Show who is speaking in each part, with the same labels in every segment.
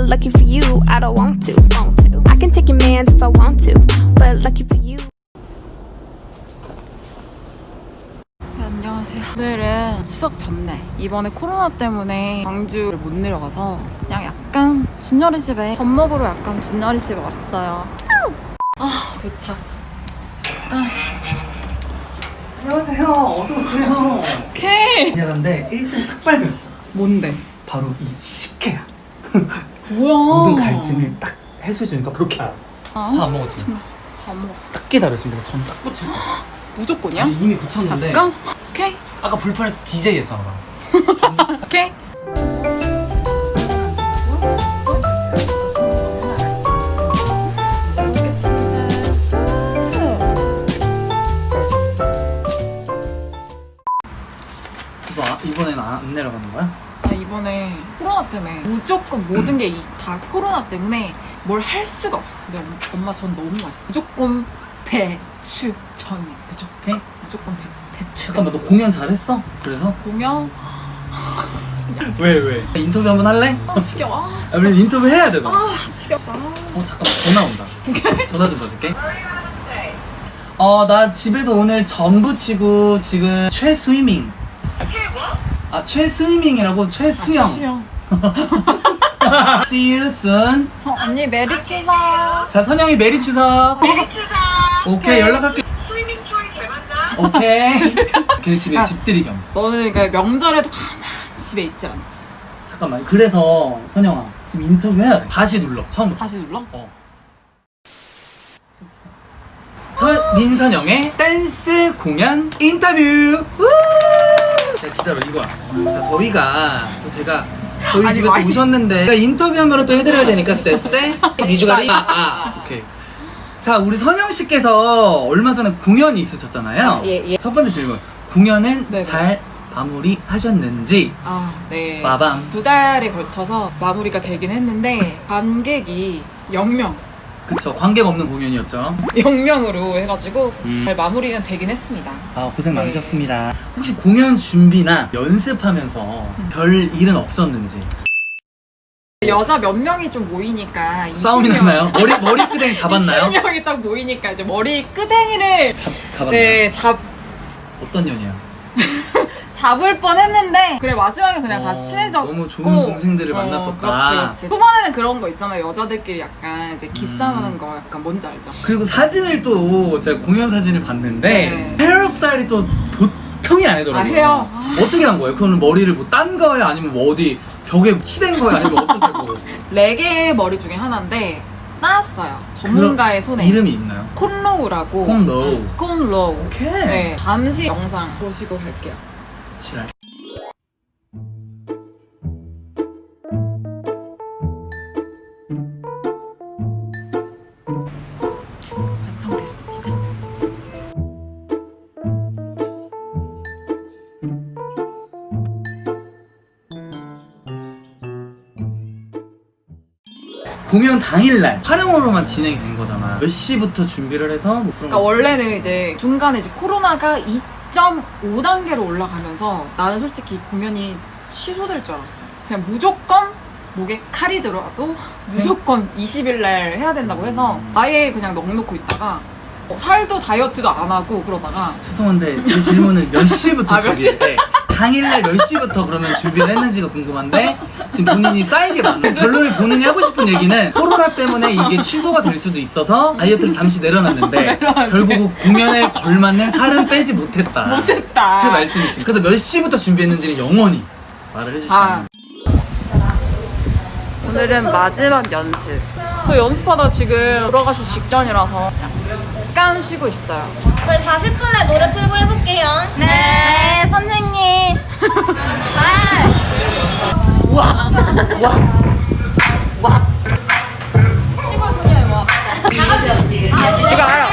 Speaker 1: But lucky for you, I don't want to. I can take your mans if I want to. But lucky for you.
Speaker 2: 안녕하세요. 오늘은 추석 전날. 이번에 코로나 때문에 광주를 못 내려가서 그냥 약간 준열이 집에 밥 먹으러 약간 준열이 집에 왔어요. 도착.
Speaker 3: 안녕하세요. 어서 오세요.
Speaker 2: 오케이.
Speaker 3: 미안한데 1등 딱 발견했잖아.
Speaker 2: 뭔데?
Speaker 3: 바로 이 식혜야.
Speaker 2: 뭐야?
Speaker 3: 모든 갈증을 딱 해소해주니까 그렇게 알아.
Speaker 2: 아,
Speaker 3: 다 안 먹었지?
Speaker 2: 다 먹었어.
Speaker 3: 딱 기다려 지금 내가 전 딱 붙일 거야.
Speaker 2: 무조건이야?
Speaker 3: 아니, 이미 붙였는데
Speaker 2: 약간? 오케이.
Speaker 3: 아까 불편해서 DJ 했잖아 나.
Speaker 2: 오케이. 잘 먹겠습니다.
Speaker 3: 그래서 이번에는 안 내려가는 거야?
Speaker 2: 나 이번에 코로나 때문에 무조건 모든 게 다 코로나 때문에 뭘 할 수가 없어. 근데 엄마 전 너무 맛있어. 무조건 배추전이야. 무조건 배추전.
Speaker 3: 잠깐만 너 공연 잘했어? 그래서?
Speaker 2: 보면
Speaker 3: 왜? 인터뷰 한번 할래?
Speaker 2: 지겨워.
Speaker 3: 아, 우리 인터뷰 해야 돼 너.
Speaker 2: 지겨워.
Speaker 3: 잠깐만 전화 온다. 전화 좀 받을게. 나 집에서 오늘 전 부치고 지금 최스위밍. 최스위밍이라고 최수영.
Speaker 2: 수영.
Speaker 3: See you soon.
Speaker 2: 언니 메리 추석.
Speaker 3: 자 선영이 메리 추석. 오케이 연락할게. 오케이. 걔네 집에 집들이 겸.
Speaker 2: 너는 그러니까 명절에도 가만히 집에 있지 않지.
Speaker 3: 잠깐만. 그래서 선영아 지금 인터뷰 해야 돼. 다시 눌러. 처음부터.
Speaker 2: 다시 눌러?
Speaker 3: 민선영의 댄스 공연 인터뷰. 우! 자, 기다려 이거야. 자 저희가 또 제가 저희 집에 또 오셨는데 제가 인터뷰 한 번은 또 해드려야 되니까 쎄쎄 미주가리. 오케이. 자 우리 선영 씨께서 얼마 전에 공연이 있으셨잖아요.
Speaker 2: 예.
Speaker 3: 첫 번째 질문. 공연은
Speaker 2: 네네.
Speaker 3: 잘 마무리하셨는지.
Speaker 2: 네.
Speaker 3: 빠밤.
Speaker 2: 2달에 걸쳐서 마무리가 되긴 했는데 관객이 0명.
Speaker 3: 그쵸. 관객 없는 공연이었죠.
Speaker 2: 0명으로 해가지고 잘 마무리는 되긴 했습니다.
Speaker 3: 고생
Speaker 2: 네.
Speaker 3: 많으셨습니다. 혹시 공연 준비나 연습하면서 별 일은 없었는지.
Speaker 2: 여자 몇 명이 좀 모이니까
Speaker 3: 싸움이 났나요? 머리 끄댕이 잡았나요?
Speaker 2: 20명이 딱 모이니까 이제 머리 끄댕이를
Speaker 3: 잡았나요?
Speaker 2: 네,
Speaker 3: 어떤 년이야?
Speaker 2: 잡을 뻔했는데 그래 마지막에 그냥 다 친해졌고
Speaker 3: 너무 좋은 동생들을 만났었다.
Speaker 2: 그렇지. 초반에는 그런 거 있잖아요. 여자들끼리 약간 이제 기싸움하는 거 약간 뭔지 알죠?
Speaker 3: 그리고 사진을 또 제가 공연 사진을 봤는데
Speaker 2: 네.
Speaker 3: 헤어스타일이 또 보통이 아니더라고요.
Speaker 2: 헤어?
Speaker 3: 어떻게 한 거예요? 그거는 머리를 뭐 딴 거예요? 아니면 뭐 어디 벽에 치댄 거예요? 아니면 어떻게 뭐
Speaker 2: 레게 머리 중에 하나인데 따왔어요. 전문가의 손에.
Speaker 3: 이름이 있나요?
Speaker 2: 콘로우라고.
Speaker 3: 콘로우.
Speaker 2: 콘로우.
Speaker 3: 오케이.
Speaker 2: 네, 잠시 영상 보시고 갈게요.
Speaker 3: 지랄.
Speaker 2: 완성됐습니다.
Speaker 3: 공연 당일날 촬영으로만 진행이 된 거잖아. 몇 시부터 준비를 해서 뭐 그런
Speaker 2: 그러니까 원래는 이제 중간에 이제 코로나가 2.5단계로 올라가면서 나는 솔직히 공연이 취소될 줄 알았어. 그냥 무조건 목에 칼이 들어와도 무조건 20일 날 해야 된다고 해서 아예 그냥 넉놓고 있다가 살도 다이어트도 안 하고 그러다가
Speaker 3: 죄송한데 제 질문은 몇 시부터
Speaker 2: 몇 시?
Speaker 3: 준비했대? 당일날 몇 시부터 그러면 준비를 했는지가 궁금한데 지금 본인이 쌓이게 많네. 결론을 본인이 하고 싶은 얘기는 코로나 때문에 이게 취소가 될 수도 있어서 다이어트를 잠시 내려놨는데 결국 공연에 걸맞는 살은 빼지 못했다. 그 말씀이시죠. 그래서 몇 시부터 준비했는지는 영원히 말을 해주시면
Speaker 2: 오늘은 마지막 연습. 저 연습하다 지금 돌아가시 직전이라서 약간 쉬고 있어요.
Speaker 4: 저희 40분에 노래 틀고 해볼게요.
Speaker 2: 네, 선생님. 시골 소녀의 와. 다 같이. 이거 알아.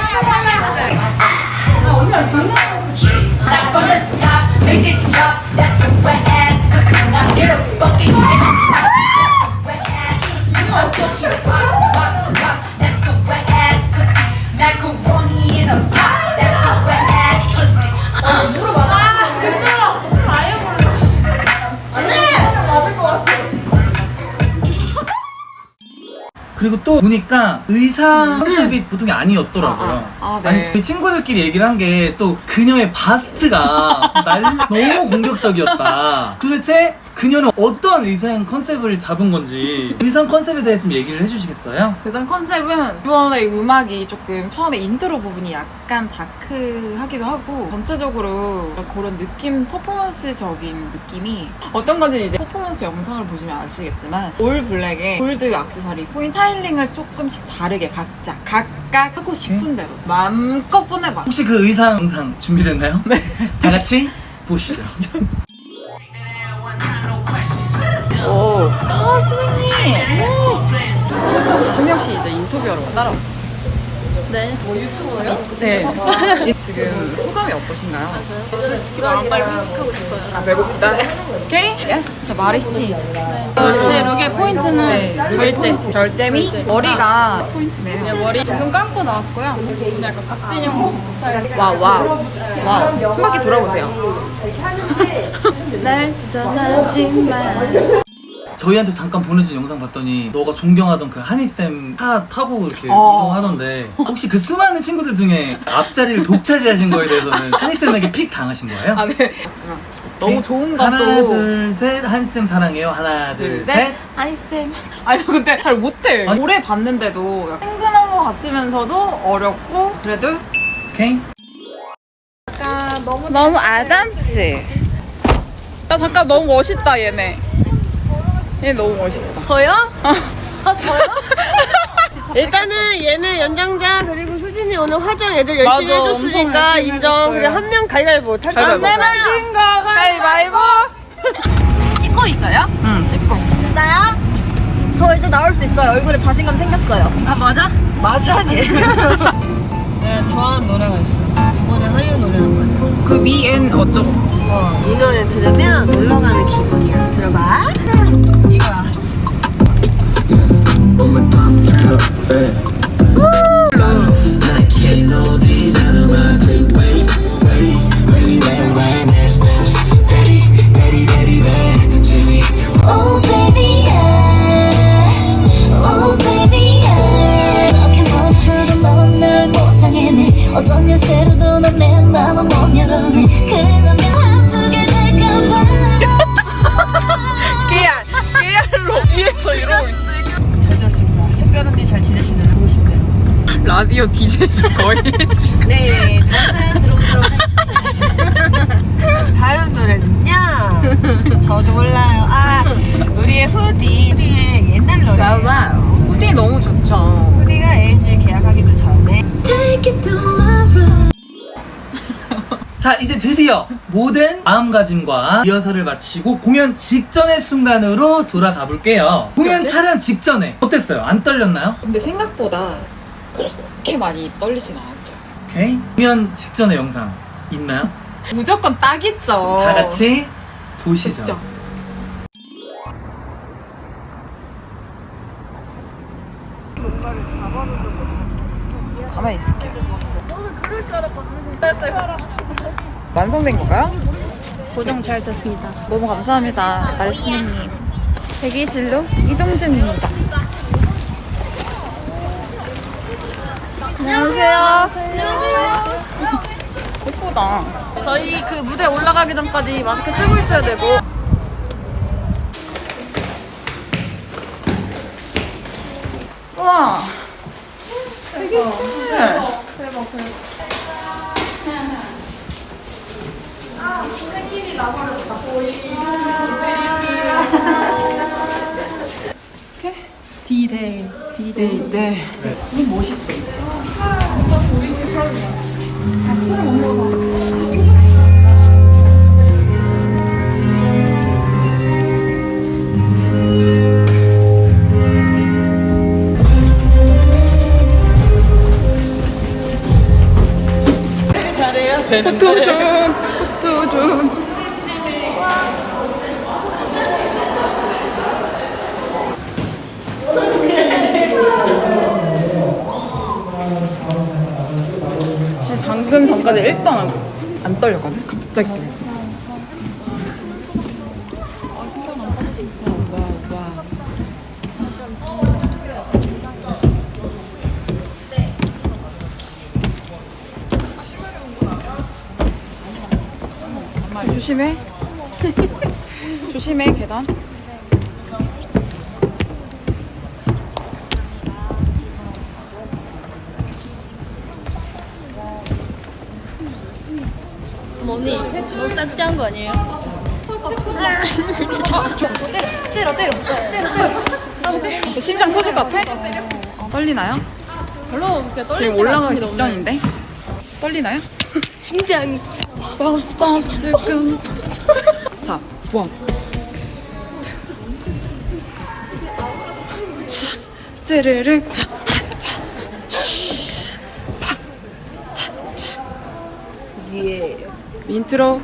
Speaker 3: 그리고 또 보니까 의상 컨셉이 보통이 아니었더라고요.
Speaker 2: 네.
Speaker 3: 아니 그 친구들끼리 얘기를 한 게 또 그녀의 바스트가 너무 공격적이었다. 도대체 그녀는 어떤 의상 컨셉을 잡은 건지 의상 컨셉에 대해서 좀 얘기를 해주시겠어요?
Speaker 2: 의상 컨셉은 이번에 음악이 조금 처음에 인트로 부분이 약간 다크하기도 하고 전체적으로 그런 느낌, 퍼포먼스적인 느낌이 어떤 건지 이제 퍼포먼스 영상을 보시면 아시겠지만 올 블랙에 골드 액세서리, 포인트 스타일링을 조금씩 다르게 각각 하고 싶은 대로 마음껏 보내봐.
Speaker 3: 혹시 그 의상 영상 준비됐나요? 네. 다 같이 보시죠. 진짜.
Speaker 2: 오. 아, 선생님. 한 명씩 이제 인터뷰하러 따라오세요.
Speaker 4: 네. 뭐 유튜버요?
Speaker 2: 네. 지금 소감이 어떠신가요?
Speaker 4: 솔직히 마음 빨리 회식하고 싶어요.
Speaker 2: 아, 배고프다. 오케이? 예스. 마리 씨.
Speaker 5: 제 룩의 포인트는
Speaker 2: 결잼이 머리가 포인트네요.
Speaker 5: 머리 방금 감고 나왔고요. 약간 박진영 스타일.
Speaker 2: 와우. 한 바퀴 돌아보세요. 날 떠나지 마.
Speaker 3: 저희한테 잠깐 보내준 영상 봤더니 너가 존경하던 그 하니쌤 차 타고 이렇게 이동하던데 혹시 그 수많은 친구들 중에 앞자리를 독차지하신 거에 대해서는 하니쌤에게 픽 당하신 거예요?
Speaker 2: 아, 네. 너무 좋은 것도.
Speaker 3: 하나 둘 셋 하니쌤 사랑해요. 하나 둘 셋.
Speaker 2: 하니쌤. 아니 근데 잘 못해.
Speaker 3: 아니.
Speaker 2: 오래 봤는데도 약간 친근한 것 같으면서도 어렵고 그래도
Speaker 3: 오케이.
Speaker 4: 약간
Speaker 2: 너무 아담스. 나 잠깐 너무 멋있다 얘네. 얘 너무 멋있다.
Speaker 6: 저요? 저요? 일단은 얘는 연장자 그리고 수진이 오늘 화장 애들 열심히
Speaker 2: 맞아,
Speaker 6: 해줬으니까
Speaker 2: 엄청 열심히
Speaker 6: 인정.
Speaker 2: 해줬어요.
Speaker 6: 그래 한 명 가위바위보.
Speaker 2: 가위바위보.
Speaker 6: 내려진 거
Speaker 2: 가위바위보.
Speaker 4: 찍고 있어요?
Speaker 2: 응, 찍고 있어.
Speaker 4: 나요? 저 이제 나올 수 있어요. 얼굴에 자신감 생겼어요.
Speaker 6: 아 맞아? 맞아 얘. 내가 좋아하는 노래가 있어. 이번에 하이유 노래란 말이야.
Speaker 2: 그 미엔 어쩌고.
Speaker 6: 이 노래 들으면 놀러가는 기분이야. 들어봐. 이거야.
Speaker 7: Oh baby yeah, oh baby yeah. 이렇게 멈춰도 넌 날 못하겠네. 어떤 요새로도 넌 내 맘을 못 열어내. 그러면 아프게 될까봐.
Speaker 2: 깨알로 위에서 이러고 있어.
Speaker 6: 잘 잤습니다. 특별한 데 잘 지내시나요? 보고 싶네요.
Speaker 2: 라디오 DJ 거의 지금.
Speaker 4: 네. 다음 사연 들어보도록 하겠습니다.
Speaker 6: 다음 노래는요. 저도 몰라요. 아 우리의 후디의 옛날 노래.
Speaker 2: 와우. 후디 너무 좋죠.
Speaker 6: 후디가 AMG 계약하기도 전에
Speaker 7: Take it to my room.
Speaker 3: 자 이제 드디어 모든 마음가짐과 리허설을 마치고 공연 직전의 순간으로 돌아가 볼게요. 공연 촬영 직전에 어땠어요? 안 떨렸나요?
Speaker 2: 근데 생각보다 그렇게 많이 떨리진 않았어요.
Speaker 3: 오케이. 공연 직전의 영상 있나요?
Speaker 2: 무조건 딱 있죠.
Speaker 3: 다 같이 보시죠.
Speaker 2: 진짜. 가만히 있을게요. 완성된 건가요?
Speaker 5: 고정 잘 됐습니다.
Speaker 2: 너무 감사합니다, 마리스님. 대기실로 이동 중입니다. 안녕하세요. 예쁘다.
Speaker 6: 저희 그 무대 올라가기 전까지 마스크 쓰고 있어야 되고.
Speaker 2: 우와. 대기실.
Speaker 5: D-Day.
Speaker 2: 네. 너무 멋있어.
Speaker 6: 잘해야 되는데.
Speaker 2: 포토존. 진짜 방금 전까지 1도 안 떨렸거든? 갑자기 떨려. 와. 조심해. 조심해, 계단.
Speaker 5: 언니 너무 섹시한 거 아니에요?
Speaker 2: 심장 터질 것 같아? 떨리나요?
Speaker 5: 별로 그렇게 떨리지
Speaker 2: 지금 올라가기
Speaker 5: 않습니다,
Speaker 2: 직전인데? 떨리나요?
Speaker 5: 심장이
Speaker 2: 자, 원. 쯔르르. 예. 인트로.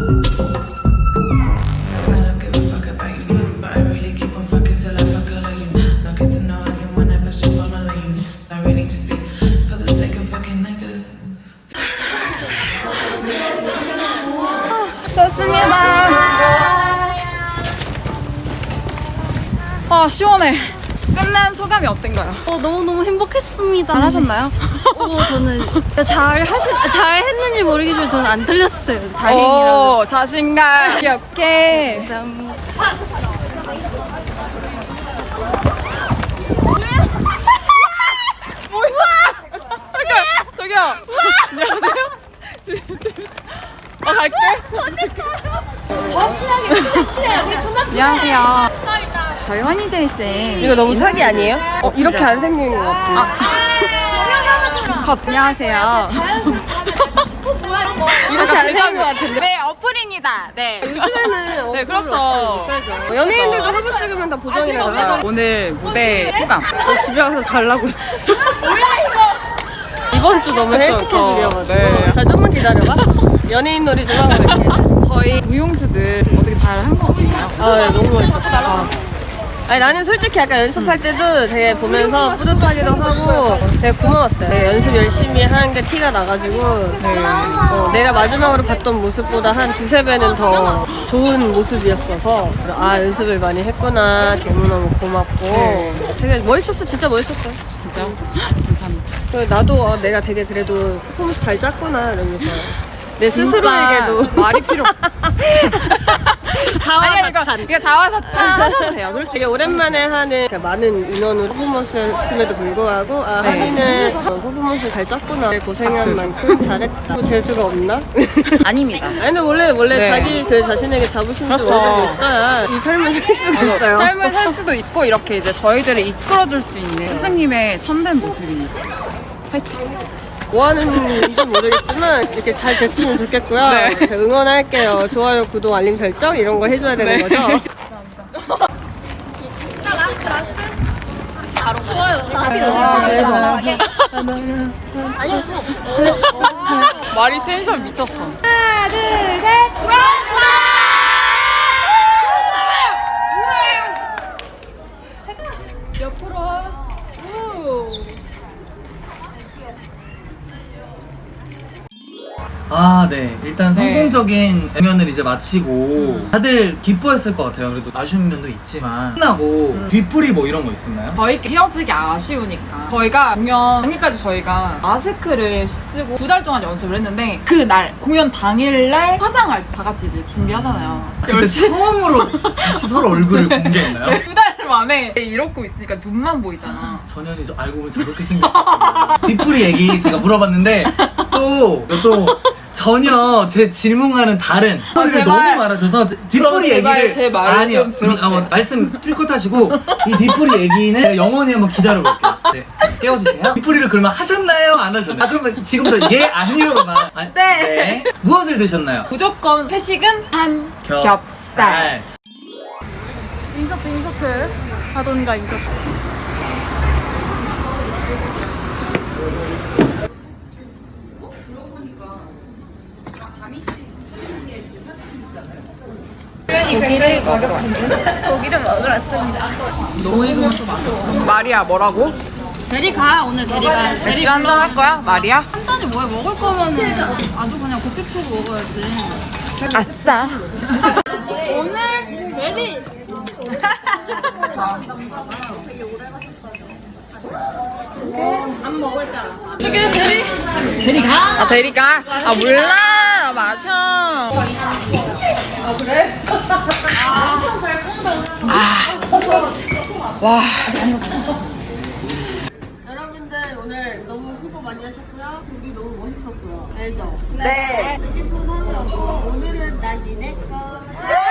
Speaker 2: 좋습니다. 아, 시원해. 끝난 소감이 어땠가요?
Speaker 5: 너무너무 행복했습니다.
Speaker 2: 잘하셨나요?
Speaker 5: 저는 잘 했는지 모르겠지만 저는 안 틀렸어요. 다행이라고.
Speaker 2: 오, 자신감. 귀엽게.
Speaker 5: 감사합니다.
Speaker 2: 저기요. 안녕하세요. 갈게. 안녕하세요. 저희 환희제이 쌤.
Speaker 6: 이거 너무 사기 아니에요? 이렇게 안 생긴 것 같아.
Speaker 2: 컷. 안녕하세요.
Speaker 6: 이렇게 안 생긴 것 같은데.
Speaker 2: 네, 어플입니다. 네.
Speaker 6: 요즘에는
Speaker 2: 네, 그렇죠.
Speaker 6: 연예인들도 화보 찍으면 다 보정이라서
Speaker 2: 오늘 무대 소감.
Speaker 6: 집에 가서 잘라고요. 이번 주 너무 헬
Speaker 2: 그쵸,
Speaker 6: 스케줄이어가지고
Speaker 2: 네.
Speaker 6: 자 좀만 기다려봐. 연예인 놀이 좀 하고 갈게.
Speaker 2: 저희 무용수들 어떻게 잘 한 것 같나요?
Speaker 6: 아 네, 너무 멋있었어. 아니 나는 솔직히 약간 연습할 때도 되게 보면서 뿌듯하기도 하고 되게 고마웠어요. 되게 연습 열심히 하는 게 티가 나가지고 내가 마지막으로 봤던 모습보다 한 두세 배는 더 좋은 모습이었어서 아 연습을 많이 했구나. 너무너무 고맙고 되게 멋있었어. 진짜 멋있었어요.
Speaker 2: 진짜? 감사합니다.
Speaker 6: 그래서 나도 내가 되게 그래도 퍼포먼스 잘 짰구나 이러면서 내
Speaker 2: 진짜
Speaker 6: 스스로에게도
Speaker 2: 말이 필요 없어.
Speaker 6: 자화자찬.
Speaker 2: 이거 자화자찬 하셔도 돼요. 솔직히.
Speaker 6: 되게 오랜만에 하는 많은 인원으로 퍼포먼스였음에도 불구하고 아 하리는 퍼포먼스 잘 짰구나. 고생한
Speaker 2: 박수.
Speaker 6: 만큼 잘했다. 재주가 없나?
Speaker 2: 아닙니다.
Speaker 6: 아니 근데 원래
Speaker 2: 네.
Speaker 6: 자기 그 자신에게 자부심도
Speaker 2: 그렇죠.
Speaker 6: 어느 정도 있어야 이 삶을 살 수가 있어요.
Speaker 2: 삶을 살 수도 있고 이렇게 이제 저희들을 이끌어줄 수 있는 스승님의 참된 모습이 파이팅.
Speaker 6: 뭐 하는지 모르겠지만 이렇게 잘 됐으면 좋겠고요.
Speaker 2: 네.
Speaker 6: 응원할게요. 좋아요, 구독, 알림 설정 이런 거 해줘야 되는
Speaker 2: 네.
Speaker 6: 거죠.
Speaker 2: 말이 텐션 미쳤어.
Speaker 3: 아, 네. 일단 성공적인 공연을 이제 마치고 다들 기뻐했을 것 같아요. 그래도 아쉬운 면도 있지만 끝나고 뒤풀이 뭐 이런 거 있었나요?
Speaker 2: 저희 헤어지기 아쉬우니까 저희가 공연 당일까지 저희가 마스크를 쓰고 2달 동안 연습을 했는데 그 날 공연 당일날 화장을 다 같이 이제 준비하잖아요.
Speaker 3: 그때 처음으로 혹시 서로 얼굴을 공개했나요?
Speaker 2: 2달 만에 이러고 있으니까 눈만 보이잖아.
Speaker 3: 전현이 저 알고 보면 저렇게 생겼어요. 뒤풀이 얘기 제가 물어봤는데 또 전혀 제 질문과는 다른 소리를
Speaker 2: 제발.
Speaker 3: 너무 말하셔서 뒤풀이
Speaker 2: 제발
Speaker 3: 얘기를
Speaker 2: 제 말을 좀 들어주세요.
Speaker 3: 말씀 실컷 하시고 이 뒤풀이 얘기는 제가 영원히 한번 기다려볼게요. 네, 깨워주세요. 뒤풀이를 그러면 하셨나요? 안 하셨나요? 아 그러면 지금부터 예 아니요로만. 네. 무엇을 드셨나요?
Speaker 2: 무조건 회식은 삼겹살.
Speaker 5: 인서트 하던가 인서트.
Speaker 4: 고기를 먹으러 왔습니다.
Speaker 2: 너무 익으면서 맛있어. 마리아 뭐라고?
Speaker 5: 대리가 오늘 대리가
Speaker 2: 맥주 한잔 할 거야? 마리아?
Speaker 5: 한 잔이 뭐야? 먹을 거면은 아주 그냥 곱게 풀고 먹어야지.
Speaker 2: 아싸.
Speaker 5: 오늘 대리. 안 먹을 줄 알아. 저기 대리.
Speaker 2: 아 대리가? 아 몰라. 나 마셔.
Speaker 6: 아 그래?
Speaker 2: 와.
Speaker 6: 여러분들 오늘 너무 수고 많이 하셨고요. 우리 너무 멋있었고요. 알죠?
Speaker 4: 네.
Speaker 6: 휴대폰 하느라고 오늘은 나 지낼 거.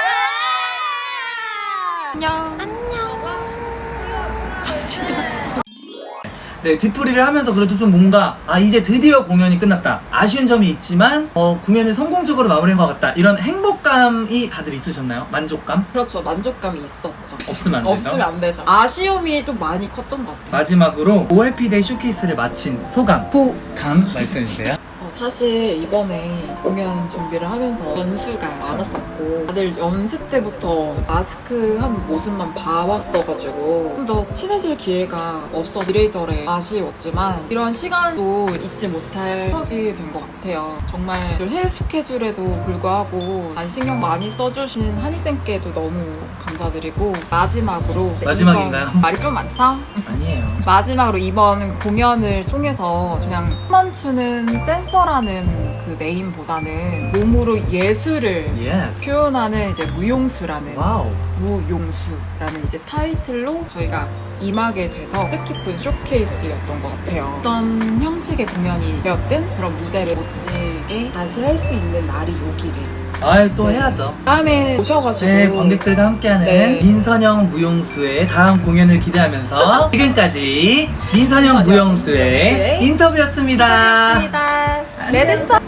Speaker 3: 네, 뒤풀이를 하면서 그래도 좀 뭔가 이제 드디어 공연이 끝났다. 아쉬운 점이 있지만 공연을 성공적으로 마무리한 것 같다. 이런 행복감이 다들 있으셨나요? 만족감?
Speaker 2: 그렇죠. 만족감이 있었죠.
Speaker 3: 없으면 안 되죠.
Speaker 2: 없으면 안 되죠. 아쉬움이 좀 많이 컸던 것 같아요.
Speaker 3: 마지막으로 OLP데이 쇼케이스를 마친 소감 말씀해주세요.
Speaker 2: 사실 이번에 공연 준비를 하면서 연수가 많았었고 다들 연습 때부터 마스크 한 모습만 봐왔어가지고 좀 더 친해질 기회가 없어서 이래저래 아쉬웠지만 이런 시간도 잊지 못할 추억이 된 것 같아요. 정말 헬 스케줄에도 불구하고 많이 신경 많이 써주신 한희쌤께도 너무 감사드리고 마지막으로
Speaker 3: 마지막인가요?
Speaker 2: 이번 말이 좀 많죠?
Speaker 3: 아니에요.
Speaker 2: 마지막으로 이번 공연을 통해서 그냥 춤만 추는 댄서라는 그 네임보다는 몸으로 예술을
Speaker 3: 예스.
Speaker 2: 표현하는 이제 무용수라는
Speaker 3: 와우.
Speaker 2: 무용수라는 이제 타이틀로 저희가 임하게 돼서 뜻깊은 쇼케이스였던 것 같아요. 어떤 형식의 공연이 되었든 그런 무대를 멋지게 다시 할 수 있는 날이 오기를.
Speaker 3: 또 해야죠.
Speaker 2: 다음에 오셔가지고
Speaker 3: 네, 관객들과 함께하는
Speaker 2: 네.
Speaker 3: 민선영 무용수의 다음 공연을 기대하면서 지금까지 민선영 무용수의 인터뷰였습니다.
Speaker 2: 레드스타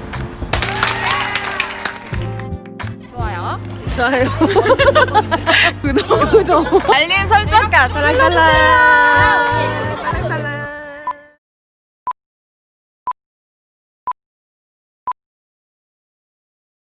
Speaker 2: 좋아요.
Speaker 6: 좋아요.
Speaker 2: 알림 설정까지 눌러주세요.